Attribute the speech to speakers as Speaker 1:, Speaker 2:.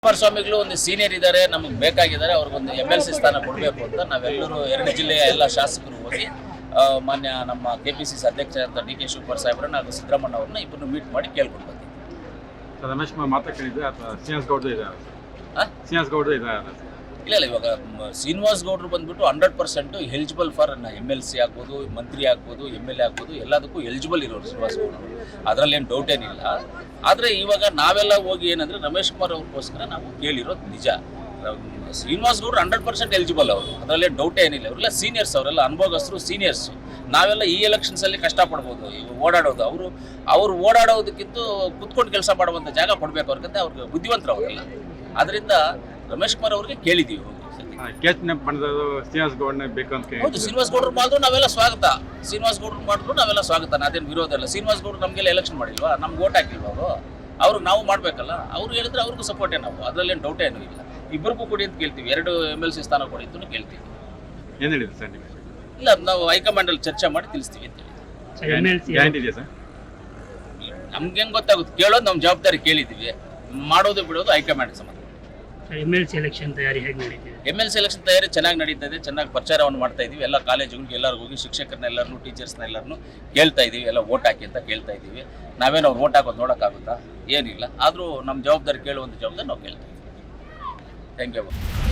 Speaker 1: ಕುಮಾರಸ್ವಾಮಿಗಳು ಒಂದು ಸೀನಿಯರ್ ಇದ್ದಾರೆ, ನಮಗೆ ಬೇಕಾಗಿದ್ದಾರೆ, ಅವ್ರಿಗೊಂದು MLC ಸ್ಥಾನ ಕೊಡಬೇಕು ಅಂತ ನಾವೆಲ್ಲರೂ 2 ಜಿಲ್ಲೆಯ ಎಲ್ಲ ಶಾಸಕರು ಹೋಗಿ ಮಾನ್ಯ ನಮ್ಮ KPCC ಅಧ್ಯಕ್ಷ ಅಂತ DK ಶಿವಕುಮಾರ್ ಸಾಹೇಬ್ರನ್ನ ಹಾಗೂ ಸಿದ್ದರಾಮಣ್ಣ ಅವ್ರನ್ನ ಇಬ್ಬರನ್ನು ಮೀಟ್ ಮಾಡಿ ಕೇಳ್ಕೊಂಡು ಬಂದಿದ್ದೀವಿ.
Speaker 2: ರಮೇಶ್ ಮಾತಾಡ್ಕೊಂಡಿದ್ದೆ ಅಥವಾ ಶ್ರೀನಿವಾಸ್ ಗೌಡ್ರು ಇದ್ದಾರೆ? ಶ್ರೀನಿವಾಸ್ ಗೌಡ್ರು ಇದ್ದಾರೆ.
Speaker 1: ಇಲ್ಲ ಇವಾಗ ಶ್ರೀನಿವಾಸ್ ಗೌಡ್ರು ಬಂದ್ಬಿಟ್ಟು 100% ಎಲಿಜಿಬಲ್ ಫಾರ್ MLC ಆಗ್ಬೋದು, ಮಂತ್ರಿ ಆಗ್ಬೋದು, MLA ಆಗ್ಬೋದು, ಎಲ್ಲದಕ್ಕೂ ಎಲಿಜಿಬಲ್ ಇರೋರು ಶ್ರೀನಿವಾಸ್ ಗೌಡ್ರು, ಅದರಲ್ಲೇನು ಡೌಟ್ ಏನಿಲ್ಲ. ಆದರೆ ಇವಾಗ ನಾವೆಲ್ಲ ಹೋಗಿ ಏನಂದರೆ ರಮೇಶ್ ಕುಮಾರ್ ಅವ್ರಿಗೋಸ್ಕರ ನಾವು ಕೇಳಿರೋದು ನಿಜ. ಶ್ರೀನಿವಾಸ್ ಗೌಡ್ರು 100% ಎಲಿಜಿಬಲ್ ಅವರು, ಅದರಲ್ಲೇ ಡೌಟ್ ಏನಿಲ್ಲ. ಅವರೆಲ್ಲ ಸೀನಿಯರ್ಸ್, ಅವರೆಲ್ಲ ಅನುಭವಸ್ಥರು, ಸೀನಿಯರ್ಸು. ನಾವೆಲ್ಲ ಈ ಎಲೆಕ್ಷನ್ಸಲ್ಲಿ ಕಷ್ಟಪಡ್ಬೋದು, ಓಡಾಡೋದು. ಅವರು ಓಡಾಡೋದಕ್ಕಿಂತ ಕುತ್ಕೊಂಡು ಕೆಲಸ ಮಾಡುವಂಥ ಜಾಗ ಕೊಡಬೇಕು ಅವ್ರಿಗಂತ, ಅವ್ರಿಗೆ ಬುದ್ಧಿವಂತರು ಅವರೆಲ್ಲ. ಅದರಿಂದ ರಮೇಶ್ ಕುಮಾರ್ ಅವ್ರಿಗೆ ಕೇಳಿದ್ದೀವಿ.
Speaker 2: ಶ್ರೀನಿವಾಸ್ ಗೌಡ್ನ ಬೇಕು ಅಂತ
Speaker 1: ಹೌದು, ಶ್ರೀನಿವಾಸ್ ಗೌಡ್ರು ಮಾಡಿದ್ರು ನಾವೆಲ್ಲ ಸ್ವಾಗತ. ಶ್ರೀನಿವಾಸ್ ಗೌಡ್ರು ಮಾಡಿದ್ರು ನಾವೆಲ್ಲ ಸ್ವಾಗತ, ಅದೇನು ವಿರೋಧ ಇಲ್ಲ. ಶ್ರೀನಿವಾಸ್ ಗೌಡ್ರು ನಮಗೆಲ್ಲ ಎಲೆಕ್ಷನ್ ಮಾಡಿಲ್ವಾ, ನಮ್ಗೆ ಓಟ್ ಹಾಕಿಲ್ವಾ ಅವ್ರಿಗೆ ನಾವು ಮಾಡಬೇಕಲ್ಲ. ಅವ್ರು ಹೇಳಿದ್ರೆ ಅವ್ರಿಗೂ ಸಪೋರ್ಟೇ ನಾವು, ಅದರಲ್ಲೇನು ಡೌಟ್ ಏನೂ ಇಲ್ಲ. ಇಬ್ಬರಿಗೂ ಕೊಡಿ ಅಂತ ಕೇಳ್ತೀವಿ, 2 MLC ಸ್ಥಾನ ಕೊಡಿ ಅಂತ ಕೇಳ್ತೀವಿ.
Speaker 2: ಏನು ಹೇಳಿದ್ರು ಸರ್ ನೀವು?
Speaker 1: ಇಲ್ಲ, ನಾವು ಹೈಕಮಾಂಡಲ್ಲಿ ಚರ್ಚೆ ಮಾಡಿ ತಿಳಿಸ್ತೀವಿ ಅಂತ
Speaker 2: ಗ್ಯಾರಂಟಿ ಇದೆಯಾ ಸರ್?
Speaker 1: ನಮ್ಗೆ ಹೆಂಗೆ ಗೊತ್ತಾಗುತ್ತೆ, ಕೇಳೋದು ನಮ್ಮ ಜವಾಬ್ದಾರಿ, ಕೇಳಿದ್ದೀವಿ. ಮಾಡೋದು ಬಿಡೋದು ಹೈಕಮಾಂಡ್ ಸಂಬಂಧ.
Speaker 3: MLC ಎಲೆಕ್ಷನ್ ತಯಾರಿ ಹೇಗೆ ನಡೀತಿದೆ?
Speaker 1: MLC ಎಲೆಕ್ಷನ್ ತಯಾರಿ ಚೆನ್ನಾಗಿ ನಡೀತಾ ಇದೆ, ಚೆನ್ನಾಗಿ ಪ್ರಚಾರವನ್ನು ಮಾಡ್ತಾ ಇದೀವಿ. ಎಲ್ಲ ಕಾಲೇಜುಗಳಿಗೆ ಎಲ್ಲರಿಗೂ ಹೋಗಿ ಶಿಕ್ಷಕರನ್ನೆಲ್ಲರನ್ನು, ಟೀಚರ್ಸ್ನ ಎಲ್ಲರನ್ನು ಕೇಳ್ತಾ ಇದ್ದೀವಿ, ಎಲ್ಲ ಓಟ್ ಹಾಕಿ ಅಂತ ಕೇಳ್ತಾ ಇದ್ದೀವಿ. ನಾವೇನು ಅವ್ರು ಓಟ್ ಹಾಕೋದು ನೋಡೋಕ್ಕಾಗುತ್ತಾ? ಏನಿಲ್ಲ. ಆದರೂ ನಮ್ಮ ಜವಾಬ್ದಾರಿ, ಕೇಳುವಂಥ ಜವಾಬ್ದಾರಿ ನಾವು ಕೇಳ್ತೀವಿ. Thank you.